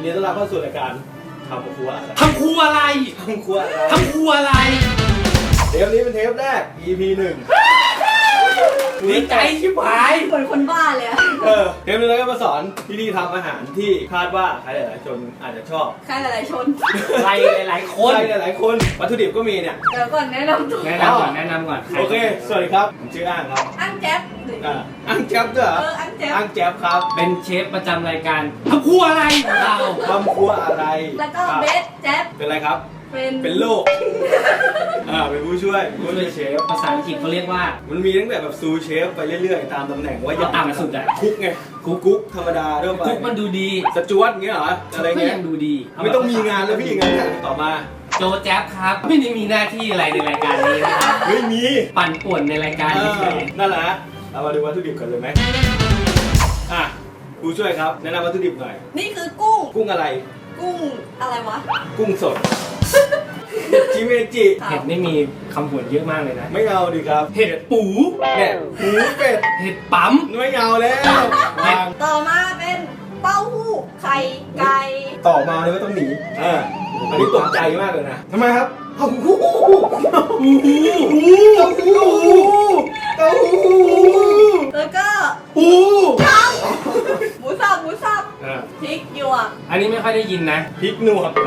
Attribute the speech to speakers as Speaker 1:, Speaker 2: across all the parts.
Speaker 1: ดีต้อนรับเข้าสู่รายการทำครัว
Speaker 2: ทำครัวอะไร
Speaker 1: ทำครัว
Speaker 2: ทำครัวอะไร
Speaker 1: เทปนี้เป็นเทปแรก EP 1
Speaker 2: ดีใจชิบหาย
Speaker 3: เหมือนคนบ้าเลยอะ
Speaker 1: เทปนี้เราก็มาสอนวิธีทำอาหารที่คาดว่าใครหลายๆคนอาจจะชอบ
Speaker 3: ใครหลายๆชน
Speaker 2: ใครหลายๆคน
Speaker 1: ใครหลายๆคนวัตถุดิบก็มีเนี่ย
Speaker 3: เดี๋ยวก่อนแนะนำตัว
Speaker 2: แนะนำก่อนแนะนำก่อน
Speaker 1: โอเค สวัสดีครับผมชื่ออ้างครับ
Speaker 3: อั้งแจ๊บหรือ
Speaker 1: อ้างแจ๊บด้วยเหรอ
Speaker 3: อั้งแจ๊บ
Speaker 1: อ้างแจ๊บครับ
Speaker 2: เป็นเชฟประจำรายการทำครัวอะไรของเรา
Speaker 1: ทำครัวอะไร
Speaker 3: แล้วก็เบสแจ๊บ
Speaker 1: เป็นอะไรครับ
Speaker 3: เป็น
Speaker 1: โลกเป็นผู้ช่วยเชฟ
Speaker 2: ภาษาอังกฤษเขาเรียกว่า
Speaker 1: มันมีตั้งแต่แบบซูเชฟไปเรื่อยๆตามตำแหน่งว่า
Speaker 2: เอาต่ำสุดอะ
Speaker 1: คุกไงกุ๊กธรรมดาทั่วไป
Speaker 2: คุกมันดูดี
Speaker 1: สจวตเงี้ยเหรออะไร
Speaker 2: ก็
Speaker 1: เงี้ย
Speaker 2: ยังดูดี
Speaker 1: ไม่ต้องมีงานแล้วพี่งั้นน่ะต่อมา
Speaker 2: โจแจ๊บครับ ไม่ได้มีหน้าที่อะไรในรายการนี้นะครับ
Speaker 1: ไม่มี
Speaker 2: ปั่นป่วนในรายการนี้เฉย
Speaker 1: นั่นแหละเรามาดูวัตถุดิบกันเลยไหมผู้ช่วยครับแนะนำวัตถุดิบหน่อย
Speaker 3: นี่คือกุ้ง
Speaker 1: กุ้งอะไร
Speaker 3: กุ้งอะไรวะ
Speaker 1: กุ้งสดจิเมจิ
Speaker 2: เห็ดนี่มีคำผวนเยอะมากเลยนะ
Speaker 1: ไม่เอาดิครับ
Speaker 2: เห็ดปู
Speaker 1: แม่หูเป็ด
Speaker 2: เห็ดปั๊ม
Speaker 1: ไม่เอาแล้ววาง
Speaker 3: ต่อมาเป็นเต้าหู้ไข่ไก่
Speaker 1: ต่อมาเลยว่าต้องหนีอันนี้ตกใจมากเลยนะทำไมครับเต้าหู้เต้าหู้
Speaker 3: แล้วก็
Speaker 1: หู
Speaker 3: หมูสับพริกหยวก
Speaker 2: อันนี้ไม่ค่อยได้ยินนะ
Speaker 1: พริกหนวด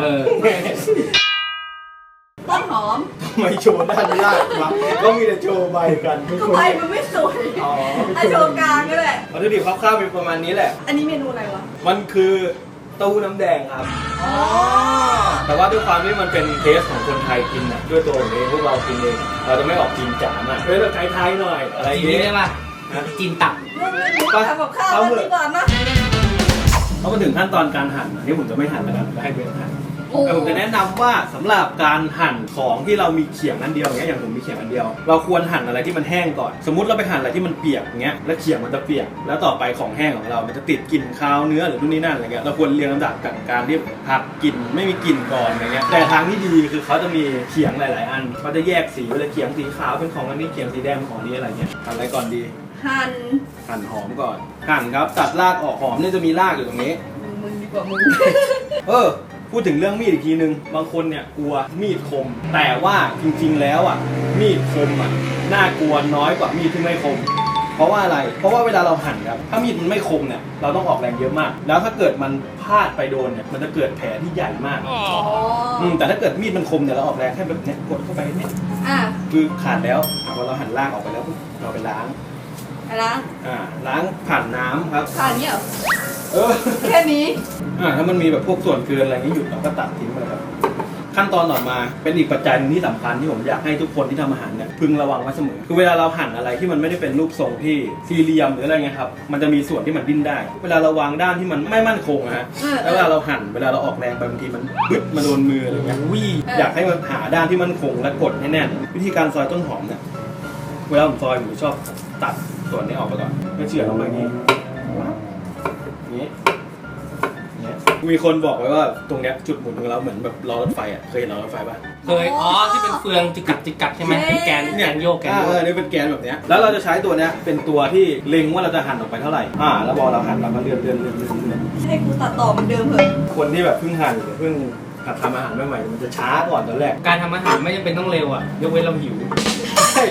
Speaker 3: ต้นหอม
Speaker 1: ทำไมโชว์ด้านล่างวะก็มีแต่โชว์ใบกัน
Speaker 3: ก็ใบมันไม่สวย
Speaker 1: อ๋อ
Speaker 3: ไอโชว์กลางก็แหละ
Speaker 1: วัตถุดิบคร่าวๆเป็นประมาณนี้แหละ
Speaker 3: อันนี้เมนูอะไรวะ
Speaker 1: มันคือเต้าหู้น้ำแดงครับ
Speaker 3: อ๋อ
Speaker 1: แต่ว่าด้วยความที่มันเป็นเทสของคนไทยกินนะด้วยตัวผมเองพวกเรากินเองเราจะไม่ออกจีนจ๋ามากเป็นแบบไทยๆหน่อยอะไรอย่าง
Speaker 2: จีน
Speaker 1: เงี้ย
Speaker 2: ได้ป่ะจีนตับ
Speaker 3: เรื่องทำกับข้าวกันดีกว่านะ
Speaker 1: เพราะมาถึงขั้นตอนการหั่นที่ผมจะไม่หั่นแล้วกันจะให้เบนหั่นแต่ผมจะแนะนำว่าสำหรับการหั่นของที่เรามีเขียงอันเดียวอย่างเงี้ยอย่างผมมีเขียงอันเดียว เราควรหั่นอะไรที่มันแห้งก่อนสมมุติเราไปหั่นอะไรที่มันเปียกอย่างเงี้ยแล้วเขียงมันจะเปียกแล้วต่อไปของแห้งของเรามันจะติดกลิ่นคาวเนื้อหรือนู่นนี่นั่นอะไรเงี้ยเราควรเรียงลำดับกับการที่ผัดกลิ่นไม่มีกลิ่นก่อนอะไรเงี้ยแต่ทางที่ดีคือเขาจะมีเขียงหลายๆอันเขาจะแยกสีเลยเขียงสีขาวเป็นของอันนี้เขียงสีแดงเป็นของนี้อะไรเงี้ยหั่นอะไรก่อนดี
Speaker 3: หั่น
Speaker 1: หอมก่อนหั่นครับตัดรากออกหอมเนี่ยจะมีรากอยู่ตรงนี้
Speaker 3: มึงดีกว่ามึง
Speaker 1: พูดถึงเรื่องมีดอีกทีนึงบางคนเนี่ยกลัวมีดคม แต่ว่าจริงๆแล้วมีดคมน่ากลัวน้อยกว่ามีดที่ไม่คม เพราะว่าอะไรเพราะว่าเวลาเราหั่นครับถ้ามีดมันไม่คมเนี่ยเราต้องออกแรงเยอะมาก แล้วถ้าเกิดมันพลาดไปโดนเนี่ยมันจะเกิดแผลที่ใหญ่มากแต่ถ้าเกิดมีดมันคมเนี่ยเราออกแรงแค่แบบเนี้ยกดเข้าไปเนี่ยคือขาดแล้วพอเราหั่นรากออกไปแล้วเราไปล้าง
Speaker 3: อะไรนะ
Speaker 1: ล้างผ่านน้ำครับ
Speaker 3: ผ่านเนี่ยเหรอแค่นี้
Speaker 1: ถ้ามันมีแบบพวกส่วนเกินอะไรนี้หยุดเราก็ตัดทิ้งไปครับขั้นตอนต่อมาเป็นอีกปัจจัยนึงที่สำคัญที่ผมอยากให้ทุกคนที่ทำอาหารเนี่ยพึงระวังไว้เสมอคือเวลาเราหั่นอะไรที่มันไม่ได้เป็นรูปทรงที่สี่เหลี่ยมหรืออะไรเงี้ยครับมันจะมีส่วนที่มันดิ้นได้ เวลาเราวางด้านที่มันไม่มั่นคงนะฮะแล้วเวลาเราหั่นเวลาเราออกแรงไปบางทีมันบึ๊บมาโดนมืออะไรเงี้ยอยากให้มันหาด้านที่มั่นคงและกดให้แน่นวิธีการซอยต้นหอมเนี่ยเวลาผมซอยผมชอบตัดส่วนนี้ออกไปก่อนไม่เฉื่อยลงไปอย่างนี้มีคนบอกไว้ว่าตรงเนี้ยจุดหมุนของเราเหมือนแบบล้อรถไฟเคยเห็นล้อรถไฟป่ะ
Speaker 2: เคยที่เป็นเฟืองจิกกัดใช่ไหมเป็นแกนโยกแกนโยก
Speaker 1: นี่เป็นแกนแบบเนี้ยแล้วเราจะใช้ตัวเนี้ยเป็นตัวที่เล็งว่าเราจะหั่นออกไปเท่าไหร่แล้วพอเราหั่นเราก็เลื่อน
Speaker 3: ให้กูตัดต่อเหมือนเดิมเหอะ
Speaker 1: คนที่แบบเพิ่งหั่นหรือเพิ่งหัดทำอาหารใหม่ๆมันจะช้าก่อนตอนแรก
Speaker 2: การทำอาหารไม่จำเป็นต้องเร็วอ่ะยกเว้นเราหิว
Speaker 1: ใช่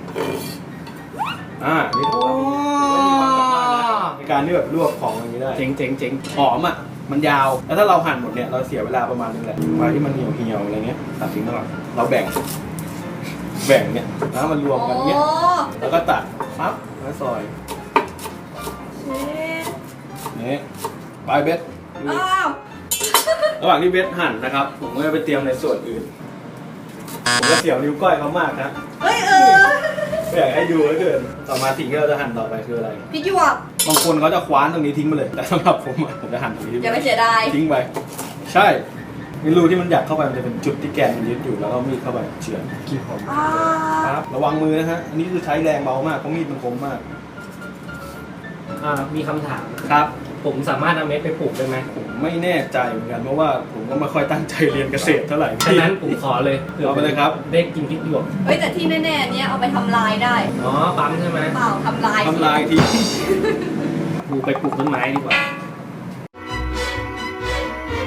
Speaker 1: นี่ในการที่แบบลวกของอย่างนี้ได้
Speaker 2: เจ๋ง
Speaker 1: หอมมันยาวแล้วถ้าเราหั่นหมดเนี่ยเราเสียเวลาประมาณนึงแหละไม้ที่มันเหี่ยวอะไรเงี้ยตัดทิ้งแล้วเราแบ่งเนี่ยแล้วมันรวมกันเงี้ยแล้วก็ตัดปั๊บแล้วซอยนี่ปลายเบ็ดระหว่างที่เบ็ดหั่นนะครับผมก็จะไปเตรียมในส่วนอื่นผมก็เสียวนิ้วก้อยเขามากนะไม่อยากให้ดูแล้วเกินต่อมาสิ่งที่เราจะหั่นต่อไปคืออะไร
Speaker 3: พริกหยวก
Speaker 1: บางคนเขาจะคว้านตรงนี้ทิ้งไปเลยแต่สำหรับผมจะหั่นตรงนี้
Speaker 3: อย่าไปเสียดาย
Speaker 1: ทิ้งไปใช่รูที่มันอยากเข้าไปมันจะเป็นจุดที่แกนมันยึดอยู่แล้วก็มีดเข้าไปเฉือนขี้ผมครับระวังมือนะฮะอันนี้คือใช้แรงเบามากเพราะมีดมันคมมาก
Speaker 2: มีคำถาม
Speaker 1: ครับ
Speaker 2: ผมสามารถเอาเม็ดไปปลูกได้ไหม
Speaker 1: ผมไม่แน่ใจเหมือนกันเพราะว่าผมก็ไม่ค่อยตั้งใจเรียนเกษตรเท่าไหร่
Speaker 2: ฉะนั้นผมขอเลย
Speaker 1: เอาไปเลยครับ
Speaker 2: ได้กินพริกหยวก
Speaker 3: แต่ที่แน่ๆเนี้ยเอาไปทำลายได้
Speaker 2: ปั๊มใช่ไหม
Speaker 3: เปล่าทำลาย
Speaker 1: ที
Speaker 2: ปลูกต้นไม้ดีกว่า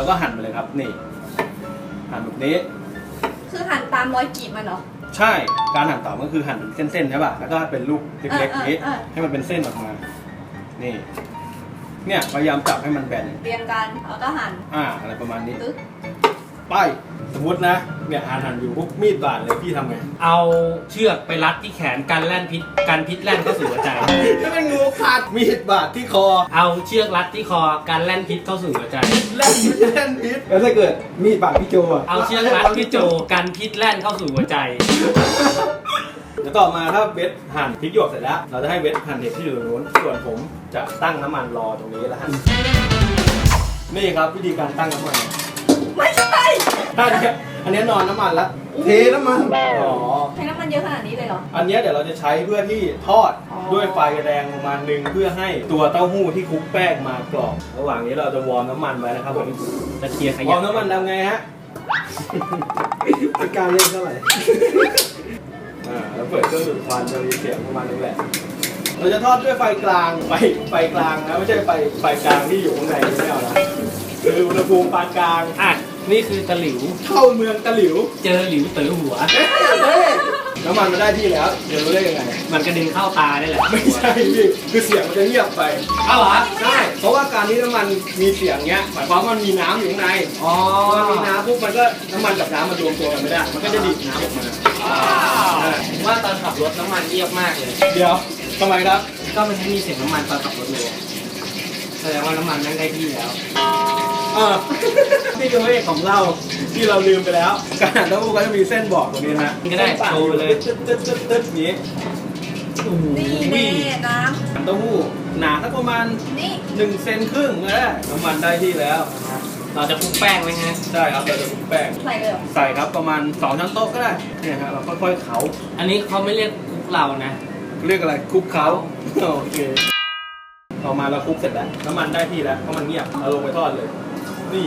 Speaker 1: ก็หั่นไปเลยครับนี่หั่นแบบนี้
Speaker 3: คือหั่นตามรอยกรีดมันเหรอ
Speaker 1: ใช่ การหั่นต่อก็คือหั่นเป็นเส้นๆใช่ป่ะ แล้วก็เป็นลูกเล็กๆนี้ ให้มันเป็นเส้นออกมา นี่ เนี่ยพยายามจับให้มันแบน
Speaker 3: เรียงกันแล้วก็หั่น
Speaker 1: อะไรประมาณนี้
Speaker 3: ตึ๊ก
Speaker 1: ไป สมมตินะ เนี่ยหั่นอยู่ปุ๊บมีดบาดเลยพี่ทำไง
Speaker 2: เอาเชือกไปรัดที่แขนกันแล่นพิษกันพิษแล่นเข้าสู่หัวใจ
Speaker 1: ถ้าเป็นงูขาดมีดบาดที่คอ
Speaker 2: เอาเชือกรัดที่คอกันแล่นพิษเข้าสู่หัวใจ
Speaker 1: แล่นพิษแล้วถ้าเกิดมีดบาดพี่โจอะ
Speaker 2: เอาเชือกรัดพี่โจกันพิษแล่นเข้าสู่หัวใจ
Speaker 1: แล้วต่อมาถ้าเวทหั่นพริกหยวกเสร็จแล้ว เราจะให้เวทหั่นเห็ดที่อยู่ตรงนู้น ส่วนผมจะตั้งน้ำมันรอตรงนี้แล้วหั่นนี่ครับวิธีการตั้งน้ำมัน
Speaker 3: ไม่ใช่
Speaker 1: อันนี้นอนน้ำมันแล้วเทน้ำมันอ๋อ
Speaker 3: ใช้น้ำมันเยอะขนาดนี้เลยเหรอ
Speaker 1: อันนี้เดี๋ยวเราจะใช้เพื่อที่ทอด
Speaker 3: อ๋อ
Speaker 1: ด้วยไฟแรงประมาณนึงเพื่อให้ตัวเต้าหู้ที่คลุกแป้งมากรอบระหว่างนี้เราจะวอร์มน้ำมันไว้นะครับผม
Speaker 2: จะเคลียร์ข
Speaker 1: วอย
Speaker 2: ะ
Speaker 1: ร์มน้ำมันทำไงฮะเป็นการเล่นเท่าไหร่แล้วเปิดเครื่องดูดควันจะมีเสียงประมาณนึงแหละเราจะทอดด้วยไฟกลางไฟกลางนะไม่ใช่ไฟกลางที่อยู่ข้างในไม่เอานะคืออุณหภูมิปานกลาง
Speaker 2: อ่ะนี่คือตะหลิว
Speaker 1: เข้าเมืองตะหลิว
Speaker 2: เจอหลิวเต๋อหัว
Speaker 1: น้ำมันมาได้ที่แล้วเดี๋ยวรู้ได้ยังไง
Speaker 2: มันกระเด็นเข้าตาได้แหละ
Speaker 1: ไม่ใช่พี่คือเสียงมันจะเงียบไป
Speaker 2: เอาเหรอ
Speaker 1: ใช่เพราะว่าการที่น้ำมันมีเสียงเงี้ยหมายความว่ามันมีน้ำอยู่ข้างใน
Speaker 2: อ๋อ
Speaker 1: พอมันมีน้ำปุ๊บมันก็น้ำมันกับน้ำมันรวมตัวกันไม่ได้ มันก็จะดีดน้ำออกมา
Speaker 2: ผมว่าตอนขับรถน้ำมันเงียบมากเลย
Speaker 1: เดี๋ยวทำไมครับ
Speaker 2: ก็มันไม่มีเสียงน้ำมันตอนขับรถเลยแสดงว่าน้ำมันนั่งได้ที่แล้ว
Speaker 1: นี่คือเลขของเราที่เราลืมไปแล้วการหั่นเต้าหู้ก็จะมีเส้นบอกตรงนี้นะ
Speaker 2: ก็ได้โชว์ไปเลย
Speaker 1: ตึ๊ดนี้
Speaker 3: นี่แน่น้
Speaker 1: หั่นเต้าหู้หนาสักประมาณ
Speaker 3: ำนี่
Speaker 1: 1 เซนครึ่งนะน้ำมันได้ที่แล้ว
Speaker 2: เราจะคลุกแป้งไว้ไง
Speaker 1: ใช่ครับเราจะคลุกแป้ง
Speaker 3: ใส่เลยเหรอ
Speaker 1: ใส่ครับประมาณ2 ช้อนโต๊ะก็ได้เนี่ยฮะเราค่อยๆเขา
Speaker 2: อันนี้เขาไม่เรียกคลุกเรานะ
Speaker 1: เรียกอะไรคลุกเขาโอเคต่อมาเราคลุกเสร็จแล้วน้ำมันได้ที่แล้วเพราะมันเงียบเอาลงไปทอดเลย นี่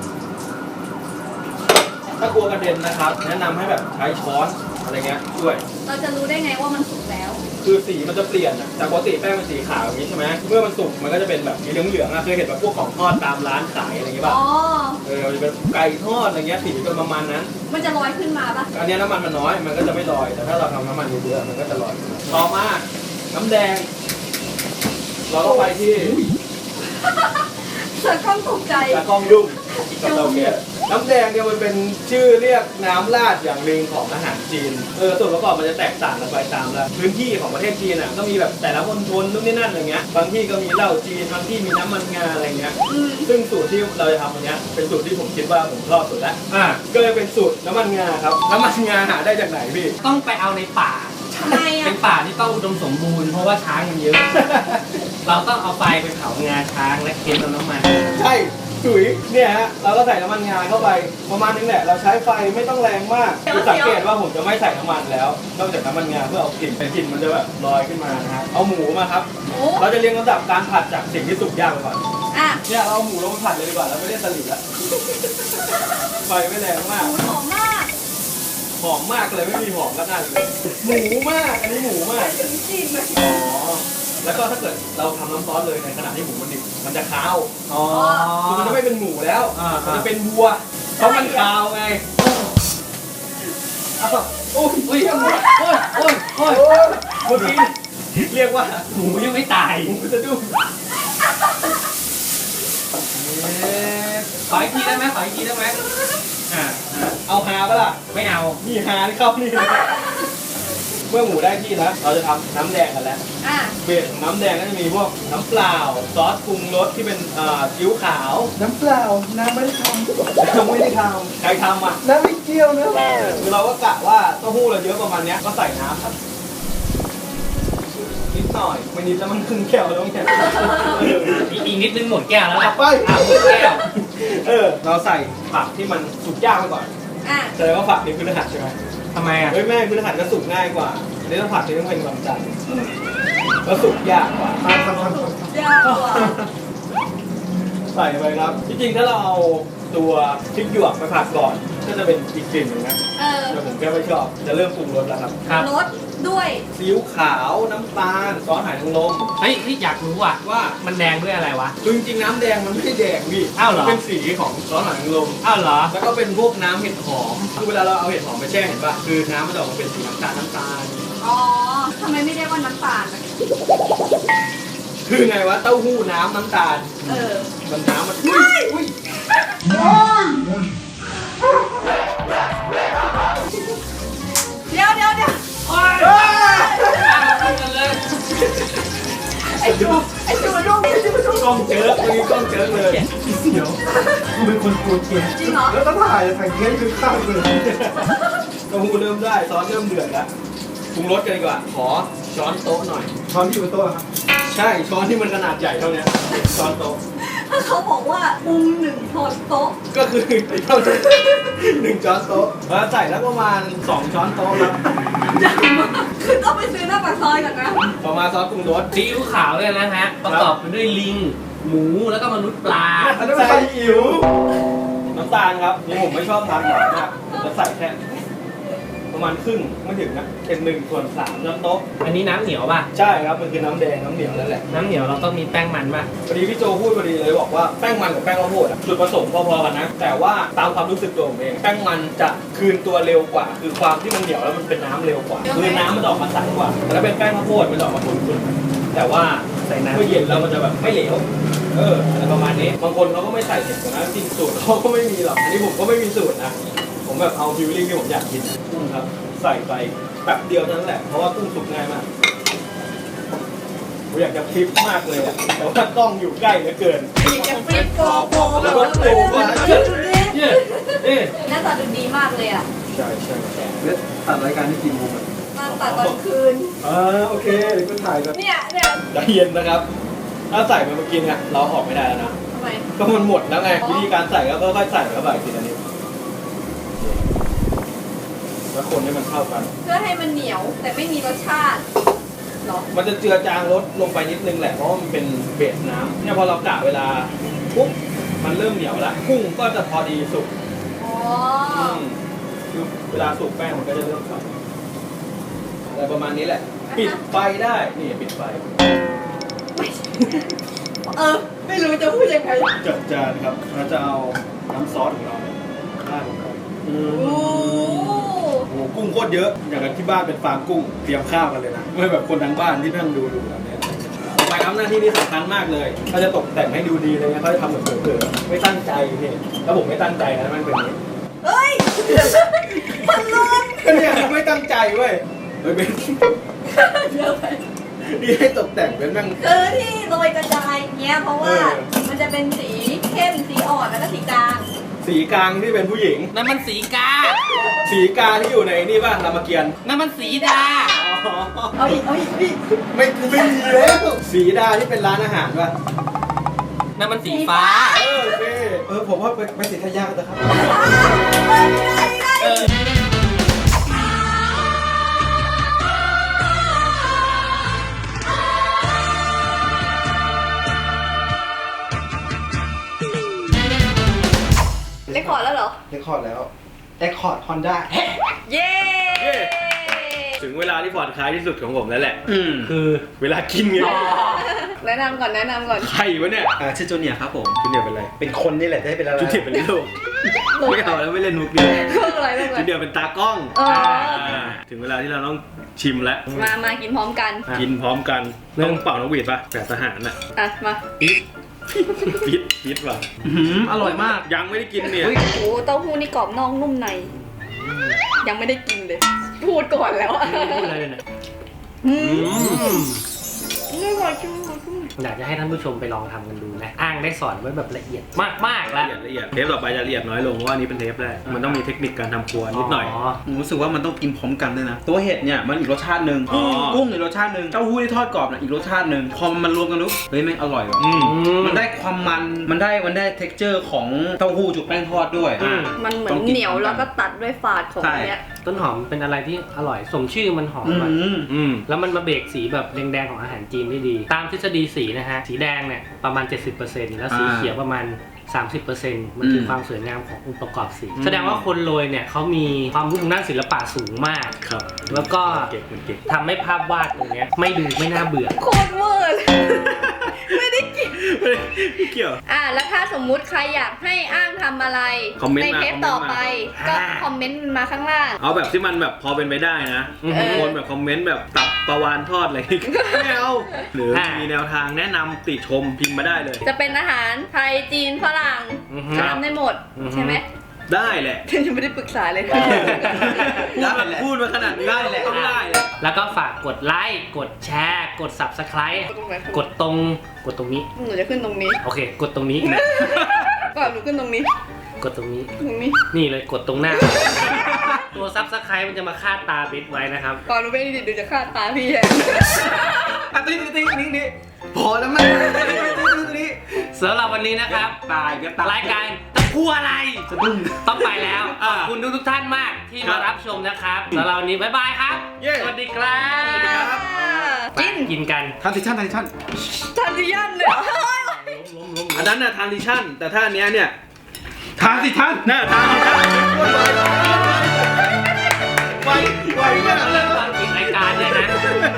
Speaker 1: ถ้ากลัวกระเด็นนะครับ แนะนำให้แบบใช้ช้อนอะไรเงี้ยช่วย
Speaker 3: เราจะรู้ได้ไงว่ามันสุกแล้ว
Speaker 1: คือสีมันจะเปลี่ยนอะจากปกติแป้งเป็นสีขาวอย่างนี้ใช่ไหมเมื่อมันสุกมันก็จะเป็นแบบสีเหลืองๆอะเคยเห็นแบบพวกของทอดตามร้านขายอะไรอย่างงี้ป่ะ
Speaker 3: อ๋อ
Speaker 1: มันจะเป็นไก่ทอดอะไรเงี้ยสีเป็นประมาณนั้น
Speaker 3: มันจะลอยขึ้นมาปะ
Speaker 1: อันเนี้ยน้ำมันมันน้อยมันก็จะไม่ลอย แต่ถ้าเราทำน้ำมันเยอะๆมันก็จะลอย ต่อมาน้ำแดง เราก็ไปที่
Speaker 3: เธอต้องตกใจ
Speaker 1: ตากล้องยุ่งกับเราแกน้ำแดงเนี่ยมันเป็นชื่อเรียกน้ำราดอย่างหนึ่งของอาหารจีนส่วนประกอบมันจะแตกต่างกันไปตามละพื้นที่ของประเทศจีนอ่ะก็มีแบบแต่ละมณฑลนู่นนี่นั่นอะไรเงี้ยบางที่ก็มีเหล้าจีนบางที่มีน้ำมันงาอะไรเงี้ย
Speaker 3: อืม
Speaker 1: ซึ่งสูตรที่เราจะทำวันเนี้ยเป็นสูตรที่ผมคิดว่าผมชอบสุดแล้ว ก็เลยเป็นสูตรน้ำมันงาครับน้ำมันงาหาได้จากไหนพี่
Speaker 2: ต้องไปเอาในป่า
Speaker 3: ทำไม
Speaker 2: เป็
Speaker 3: อ่ะ
Speaker 2: นป่าที่ต้องอุดมสมบูรณ์เพราะว่าช้างมันเยอะ เราต้องเอาไฟไปเผางาช้างและเค็มเอาน้ำมัน
Speaker 1: ใช่ถุยเนี่ยฮะเราก็ใส่น้ำมันงาเข้าไปประมาณนึงแหละเราใช้ไฟไม่ต้องแรงมากคือสังเกตว่าผมจะไม่ใส่น้ำมันแล้วนอกจากน้ำมันงาเพื่อเอากลิ่นแต่กลิ่นมันจะแบบลอยขึ้นมานะฮะเอาหมูมาครับ
Speaker 3: โอ้
Speaker 1: เราจะเรียงลำดับการผัดจากสิ่งที่สุกยากไปก่อน
Speaker 3: อ่ะ
Speaker 1: เนี่ยเราเอาหมูลงมาผัดเลยดีกว่าเราไม่ได้สลิดละไฟไม่แรงมาก
Speaker 3: หมูหอมมาก
Speaker 1: หอมมากเลยไม่มีหอมก็ได้เลยหมูมากอันนี้หมูมาก
Speaker 3: ถึงจริงเลย
Speaker 1: อ๋อแล้วก็ถ้าเกิดเราทำน้ำซอสเลยในขณะที่หมูมันดิบมันจะคาว
Speaker 2: อ๋อ
Speaker 1: คือมันจะไม่เป็นหมูแล้ว
Speaker 2: อ่ามั
Speaker 1: มันจะเป็นวัว เพราะมันคาวไงอ้าวโอ้ยโอ้ยโอ้ยโอ้ยโอ้ยเมื่อกี้เรียกว่า
Speaker 2: หมูยังไม่ตาย
Speaker 1: หมูสะดุ้ง
Speaker 2: ขออีกทีได้ไหมขออีกทีได้ไหมอ่า
Speaker 1: เอาฮาปะล่ะ
Speaker 2: ไม่เอา
Speaker 1: นี่ฮาที่เข้านี่เลยเมื่อหมูได้ที่แล้ว เราจะทำน้ำแดงกันแล้ว
Speaker 3: อ่ะ
Speaker 1: เบสของน้ำแดงก็จะมีพวกน้ำเปล่าซอสปรุงรสที่เป็นซีอิ๊วขาว
Speaker 4: น้ำเปล่า น้ำไม่ได้ท
Speaker 1: น้ำไม่ได้ทำใครทำอ่ะ
Speaker 4: ำน้ำไม่เกี่ยวนะ
Speaker 1: คือเราก็กะว่าเต้าหู้เราเยอะประมาณเนี้ยก็ใส่น้ำครับนิดหน่อยไม่นิดแล้วมันครึ่งแก้วแล้วเนี่ย
Speaker 2: อีกนิดนึงหมดแก้วแล้ว
Speaker 1: กลั
Speaker 2: ล่ะ
Speaker 1: บไป
Speaker 2: หมดแก้ว
Speaker 1: เราใส่ผักที่มันสุกยากไปก่อน
Speaker 3: อ่ะ
Speaker 1: แสดงว่าผักนี่พฤหัสใช่ไหม
Speaker 2: ทำไมอ่ะ
Speaker 1: เฮ้ยแม่พฤหัสก็สุกง่ายกว่าอันนี้ต้องผักที่ต้องเป็นวันจันทร์แล้วสุกยากกว่า
Speaker 3: ยากกว่า
Speaker 1: ใส่ไปครับจริงๆถ้าเราเอาตัวพริกหยวกไปผัดก่อนก็จะเป็นอีกกลิ่นหนึงนะ
Speaker 3: เออ
Speaker 1: แต่ผมแค่ไม่ชอบจะเริ่มปรุงรสแล้วครับ
Speaker 2: ครับ
Speaker 3: รสด้วย
Speaker 1: ซีอิ๊วขาวน้ำตาลซอสหอยนางรม
Speaker 2: เฮ้ยอยากรู้อ่ะ
Speaker 1: ว่า
Speaker 2: มันแดงด้วยอะไรวะ
Speaker 1: คือจริงๆน้ำแดงมันไม่ได้แดงพี่
Speaker 2: อ้าวเหรอ
Speaker 1: มันเป็นสีของซอสหอยนางรม
Speaker 2: อ้าวเหรอ
Speaker 1: แล้วก็เป็นพวกน้ำเห็ดหอมคือเวลาเราเอาเห็ดหอมไปแช่เห็นป่ะคือน้ำมันจะออกมาเป็นสีน้ำตาล
Speaker 3: อ๋อทำไมไม่เรียกว่าน้ำตาลอะ
Speaker 1: คือไงวะเต้าหู้น้ำน้ำตาล
Speaker 3: เออ
Speaker 1: มันน้ำมันอุ้ย
Speaker 3: เดี๋ยว
Speaker 2: โอ้ย
Speaker 1: เอ้ย
Speaker 2: กันเลย
Speaker 3: ไอ้จูลูก
Speaker 1: กล้องเจิกเมื่อกี้กล้องเจิกเลย
Speaker 4: เดี๋ยวกูเป็นคนกลัวเกม
Speaker 3: จริงเหรอ
Speaker 4: แล้วต้องถ่ายถ่ายเกมคือข้าวเลย
Speaker 1: เต้าหู้เริ่มได้ซอสเริ่มเดือดแล้วปรุงรสกันดีกว่าขอช้อนโต๊ะหน่อย
Speaker 4: ช้อนที่อยู่บนโต๊ะครับ
Speaker 1: ใช่ช้อนที่มันขนาดใหญ่เท่าเนี้ยช้อนโต๊ะ
Speaker 3: ถ้าเขาบอกว่าปรุง1 ช้อนโต๊ะ
Speaker 1: ก็คือเท่านี้1 ช้อนโต๊ะแล้วใส่แล้วประมาณ2 ช้อนโต๊ะครับ
Speaker 3: ใหญ่มากคือต้องไปซื้อหน้าปากซอยก่อนนะ
Speaker 1: ต่อมาซอสปรุงรส
Speaker 2: ซีอิ๊วขาวเลยนะฮะ ประกอบไปด้วยลิง หมูแล้วก็มนุษย์ปลา
Speaker 1: อันนั้นเป็นไข่อิ๋วน้ำตาลครับนี่ผมไม่ชอบทานหวานมากผมจะใส่แค่ประมาณครึ่งไม่ถึงนะเป็น1/3 ช้อนโต๊ะ
Speaker 2: อันนี้น้ำเหนียวป่ะ
Speaker 1: ใช่ครับมันคือน้ำแดงน้ำเหนียวนั่นแหละ
Speaker 2: น้ำเหนียวเราต้องมีแป้งมันป่ะ
Speaker 1: พอดีพี่โจพูดพอดีเลยบอกว่าแป้งมันกับแป้งข้าวโพดอะจุดประสงค์พอๆกันนะแต่ว่าตามความรู้สึกตัวผมเองแป้งมันจะคืนตัวเร็วกว่า คือความที่มันเหนียวแล้วมันเป็นน้ำเร็วกว่าคือน้ำมันจะออกมาใสกว่าแต่ถ้าเป็นแป้งข้าวโพดมันจะออกมาขุ่นๆแต่ว่า
Speaker 2: ใส่น้ำ
Speaker 1: เมื่อเย็นแล้วมันจะแบบไม่เหลวอะไรประมาณนี้บางคนเขาก็ไม่ใส่เห็ดนะจริงสูตรเขาก็ไม่มีหรอกอันนี้ผมก็ไม่มีสูตรนะผมแบบเอาฟิลลิ่งที่ผมอยากกินกุ้งครับใส่ไปแป๊บเดียวเท่านั้นแหละเพราะว่ากุ้งสุกง่ายมากผมอยากจะคลิปมากเลยอะแต่ว่ากล้องอยู่ใกล้เหลือเกิน
Speaker 3: มีจะฟิตโปแล้วก็
Speaker 2: เนี่ยเนี่ย
Speaker 3: หน้าตาดูดีมากเลยอ่ะ
Speaker 1: ใช่ใช่ใช่
Speaker 4: แล้วตัดรายการที่กี่โมงอะ
Speaker 3: มาตัดตอนคืน
Speaker 4: โอเคเดี๋ยวก็ถ่ายกัน
Speaker 3: เนี่ย
Speaker 1: ใจเย็นนะครับ ถ้าใส่ไปเมื่อกี้เนี่ยเราออกไม่ได้แล้วนะ
Speaker 3: ทำไม
Speaker 1: ก็มันหมดแล้วไงวิธีการใส่ก็ค่อยๆใส่เข้าไปทีละนิดแล้วคนให้มันเข้ากัน
Speaker 3: เพื่อให้มันเหนียวแต่ไม่มีรสชาติเหรอ
Speaker 1: มันจะเจือจางลดลงไปนิดนึงแหละเพราะว่ามันเป็นเบสน้ำเนี่ยพอเรากะเวลาปุ๊บมันเริ่มเหนียวแล้วกุ้งก็จะพอดีสุก
Speaker 3: อ๋อ
Speaker 1: คือเวลาสุกแป้งมันก็จะเริ่มเข้าอะไรประมาณนี้แหละ ปิดไฟได้นี่ปิดไฟ
Speaker 3: ไม่รู้จะพูดยังไง
Speaker 1: จัดจานครับเราจะเอาน้ำซอสของเราเนี่ยราดลงไป
Speaker 3: โอ้
Speaker 1: โอ้โหกุ้งโคตรเยอะอย่างกับที่บ้านเป็นฟาร์มกุ้งเตรียมข้าวกันเลยนะไม่แบบคนทั้งบ้านที่นั่งดูแบบนี้ต่อไปครับหน้าที่นี้สำคัญมากเลยเขาจะตกแต่งให้ดูดีเลยนะเขาจะทำแบบเผลอๆไม่ตั้งใจพี่แล้วผมไม่ตั้งใจนะมันเป็นอย่างนี้
Speaker 3: เฮ้ย มันร้อน
Speaker 1: ก็เนี่ยไม่ตั้งใจเว้ยเฮ้ยเบน
Speaker 3: เดี๋ยวไป
Speaker 1: นี่ให้ตกแต่งเป็นแม่ง
Speaker 3: คือที่โรยกระจายเงี้ยเพราะว่า
Speaker 1: เออ
Speaker 3: มันจะเป็นสีเข้มสีอ่อนแล้วก็สีกลาง
Speaker 1: สีกลางที่เป็นผู้หญิง
Speaker 2: นั่นมันสีกา
Speaker 1: สีกาที่อยู่ในนี่ป่ะรามเกียรติ์
Speaker 2: นั่นมันสีดา
Speaker 3: เอาอีกพี่
Speaker 1: ไม่มีแล้วสีดาที่เป็นร้านอาหารป่ะ
Speaker 2: นั่นมันสีฟ้า
Speaker 1: โอเคผมว่าไปสีทะยากันนะครับ
Speaker 2: เออ
Speaker 3: เรคคอร์ดแล้วเหรอ
Speaker 4: เรคคอร์ดแล้วเรคคอร์ดฮอนด้า
Speaker 3: เย้
Speaker 1: ถึงเวลาที่ผ่อนคลายที่สุดของผมแล้วแหละ
Speaker 2: คือ
Speaker 1: เวลากินไง
Speaker 3: แนะนำก่อน
Speaker 1: ใครวะเนี่ย
Speaker 4: ชื่อจูเนียร์ครับผม
Speaker 1: จุดเดียวเป็นอะไร
Speaker 4: เป็นคนนี่แหละจะให้เป็นอะไร
Speaker 1: จุดเดียวเป็นโลกไม่เอาแล้วไม่เล่นมุกเดียว
Speaker 3: เรื่องอะไร
Speaker 1: จุดเดียวเป็นตากล้อง ถึงเวลาที่เราต้องชิมแล้ว
Speaker 3: มากินพร้อมกัน
Speaker 1: กินพร้อมกันต้องเป่านกหวีดป่ะแบบทหารน่ะ
Speaker 3: อ่ะ มา
Speaker 1: ปิดว่ะ
Speaker 4: อร่อยมาก
Speaker 1: ยังไม่ได้กินเนี่ย
Speaker 3: โอ้โหเต้าหู้นี่กรอบนอกนุ่มใน ยังไม่ได้กินเลย พูดก่อนแล้วอ่ะ
Speaker 2: พูดอะไรเลยเนี่ย
Speaker 3: ไม่ไหวจุ๊บ
Speaker 2: อยากจะให้ท่านผู้ชมไปลองทำกันดูนะ อ้างได้สอนไว้แบบละเอียดมากๆแล้ว
Speaker 1: ละเอียดเทปต่อไปจะละเอียดน้อยลงเพราะว่าอันนี้เป็นเทปแรกมันต้องมีเทคนิคการทำครัวนิดหน่อย
Speaker 5: ผมรู้สึกว่ามันต้องกินพร้อมกันด้วยนะ ตัวเห็ดเนี่ยมันอีกรสชาติหนึ่ง
Speaker 1: อ๋อ
Speaker 5: กุ้งอีกรสชาติหนึ่งเต้าหู้ที่ทอดกรอบเนี่ยอีกรสชาติหนึ่งพอมันรวมกันปุ๊บเฮ้ยแม่งอร่อยว่ะมันได้ความมันได้ texture ของเต้าหู้จุกแป้งทอดด้วย
Speaker 3: มันเหมือนเหนียวแล้วก็ตัดด้วยฝาดของเนี้ย
Speaker 2: ต้นหอมเป็นอะไรที่อร่อยสมชื่อมันหอม
Speaker 5: อื
Speaker 2: อะ
Speaker 5: ม
Speaker 2: แล้วมันมาเบรกสีแบบแดงๆของอาหารจีนได้ดี ตามทฤษฎีสีนะฮะ สีแดงเนี่ยประมาณ 70%แล้วสีเขียวประมาณ 30%มันคือความสวยงามขององค์ประกอบสีแสดงว่าคนโรยเนี่ยเขามีความรู้ทางด้านศิลปะสูงมาก
Speaker 1: ครับ
Speaker 2: แล้วก็
Speaker 1: เก่งมันเก่ง
Speaker 2: ทำให้ภาพวาดตรงเนี้ยไม่น่าเบื่อ
Speaker 3: โคตรเวอร์เลยไม่ได้กิน
Speaker 1: ไม่เกี่ยว
Speaker 3: แล้วถ้าสมมุติใครอยากให้อ้างทำอะไร
Speaker 1: คอมเมนต์
Speaker 3: ใน
Speaker 1: มา
Speaker 3: เทปต่อไป ก็คอมเมนต์มาข้างล่าง
Speaker 1: เอาแบบที่มันแบบพอเป็นไปได้นะ
Speaker 2: อือฮึ
Speaker 1: บางคนแบบคอมเมนต์แบบตับปลาวานทอดอะไร ไม่เอาหรือมีแนวทางแนะนำติชมพิมพ์มาได้เลย
Speaker 3: จะเป็นอาหารไทยจีนฝรั่ง
Speaker 2: อือฮึ
Speaker 3: ทำได้หมด
Speaker 2: อือฮึ
Speaker 3: ใช่ไหม
Speaker 1: ได้แหละ
Speaker 3: ยังไม่ได้ปรึกษาเลย
Speaker 1: พูดมาขนาดนี้ได้แหละต้องได้แหละ
Speaker 2: แล้วก็ฝากกดไลค์กดแชร์กด Subscribe กดตรงนี้
Speaker 3: หนูจะขึ้นตรงนี้
Speaker 2: โอเค กดตรงนี้
Speaker 3: ก่อนหนูขึ้นตรงนี้
Speaker 2: กดตรงนี้
Speaker 3: ตรงนี้
Speaker 2: นี่เลยกดตรงหน้า ตัวซับสไครต์มันจะมาคาดตาบิดไว้นะครับ
Speaker 3: ก่อนหนูไปดิดูจะฆ่าตาพี่แฮ
Speaker 1: นี่พอแล้วมั้ยนี่
Speaker 2: สำหรับวันนี้นะครับ
Speaker 1: ตายก็ตาย
Speaker 2: รายการตะกลัวอะไร
Speaker 1: สะดุ้ง
Speaker 2: ต้องไปแล้ว
Speaker 1: อ่า
Speaker 2: ขอบคุณทุกท่านมากที่
Speaker 1: ครั
Speaker 2: มา
Speaker 1: บ
Speaker 2: รับชมนะครับสำหรับวันนี้บ๊ายบายครับ
Speaker 1: เย้
Speaker 2: สวัสดีครับ
Speaker 1: สวัสดีครับ
Speaker 2: ไปกินกัน
Speaker 4: ทันทิชั่น
Speaker 3: ทันทียันเลยเหรอ
Speaker 1: อันนั้นน่ะทางดิชั่นแต่ถ้าอันเนี้ยเนี่ย
Speaker 4: ทานสิท่าน
Speaker 1: น่าทางดิชั่นไวมากเลย
Speaker 2: ตอนปิดรายการเนี่ยนะ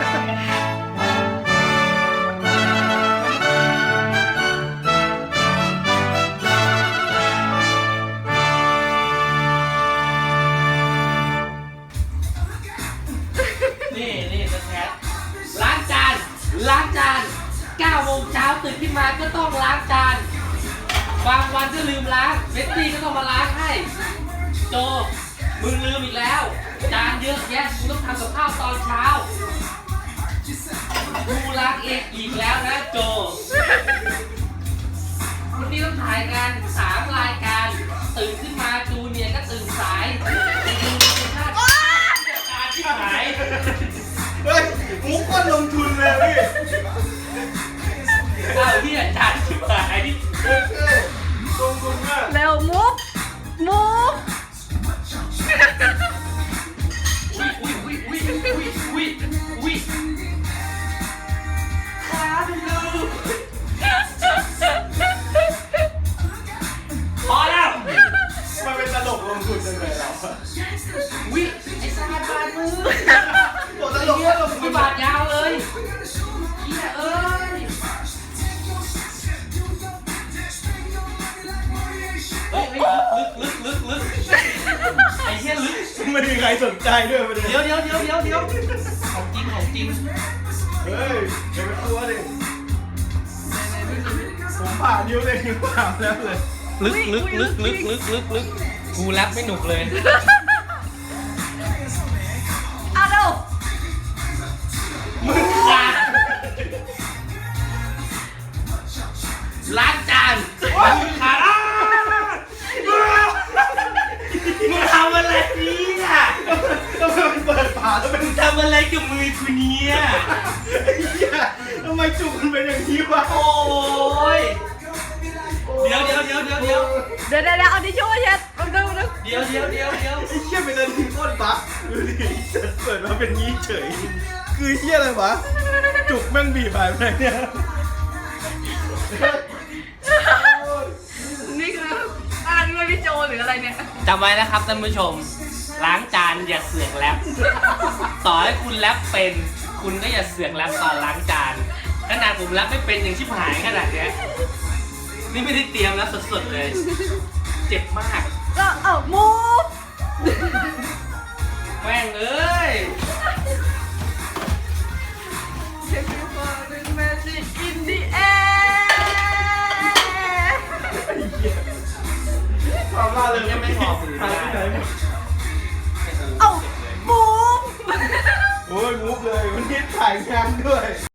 Speaker 2: นี่สแคทล้างจาน9 โมงเช้าตื่นขึ้นมาก็ต้องล้างจานบางวันก็ลืมล้างเบตตี้ก็ต้องมาล้างให้โจมึงลืมอีกแล้วจานเยอะแยะมึงต้องทำกับข้าวตอนเช้ากูล้างเองอีกแล้วนะโจวันนี้ต้องถ่ายงาน3 รายการตื่นขึ้นมาจูเนียร์ก็ตื่นสายการที่หาย
Speaker 1: เฮ้ยมุกก็ลงทุนเลยพี่
Speaker 2: เอาที่อาจารย์ที่หาย
Speaker 1: ลงทุนมาก
Speaker 3: เร็วมุก
Speaker 2: อุ้ยครับลูกพอแล้ว
Speaker 1: มันเป็นตลกลงทุนจังเลยเรา
Speaker 2: วิไอ้ซาดบาดมือ
Speaker 1: โอ้ตลกก็ลงทุ
Speaker 2: มี
Speaker 1: น
Speaker 2: บาดยาวเลยเฮียเอ้ยเฮ้ยลึกไอ้เฮียลึก
Speaker 1: ไม่มีใครสนใจด้วยประเด็น
Speaker 2: เดี๋ยวของจริง
Speaker 1: เฮ้ยเดี๋ยวไปตัวดิผมผ่านนิ้วเลยนิ้วผ่านแล้วเลย
Speaker 2: ลึกกูแรปไม่หนุกเลย
Speaker 3: เอาเร็ว
Speaker 2: มึงขาดล้างจานมึงขาดมึงทำอะไรเนี่ย
Speaker 1: ต้องเปิดฝาแล้วเป็น
Speaker 2: มึงทำอะไรกับมือกูเนี่ย
Speaker 1: เหี้ยทำไมจุกมันเป็นอย่างนี้วะ
Speaker 2: โอ้ยเดี๋ยว
Speaker 3: เดี๋ยวเอาดิช่วยเช็ดเอาดู
Speaker 2: เดี๋ยว
Speaker 1: ไอ้เหี้ยเป็นอะไรที่โคตรบั๊กดูดิเปิดมาเป็นงี้เฉย คือเหี้ยอะไรวะ จุกแม่งบีบหายไปไหนเนี่ย
Speaker 3: นี่คืออ่านด้วยพี่โจหรืออะไรเนี่ย
Speaker 2: จำไว้นะครับท่านผู้ชม ล้างจานอย่าเสือกแรปต่อให้คุณแรปเป็น คุณก็อย่าเสือกแรปตอนล้างจานขนาดผมแรปไม่เป็นยังชิบหายขนาดเนี้ยนี่ไม่ได้เตรียมแล้วสดๆเลย เจ็บมาก
Speaker 3: ก็เอามุก
Speaker 2: แม่งเอ้ย
Speaker 3: Magic in the air
Speaker 1: ความล่าเลย
Speaker 2: ยังไม่พอมือ
Speaker 1: หายไปไหนหมด
Speaker 3: เอามุก
Speaker 1: โอ้ยมุกเลยวันนี้ถ่ายงานด้วย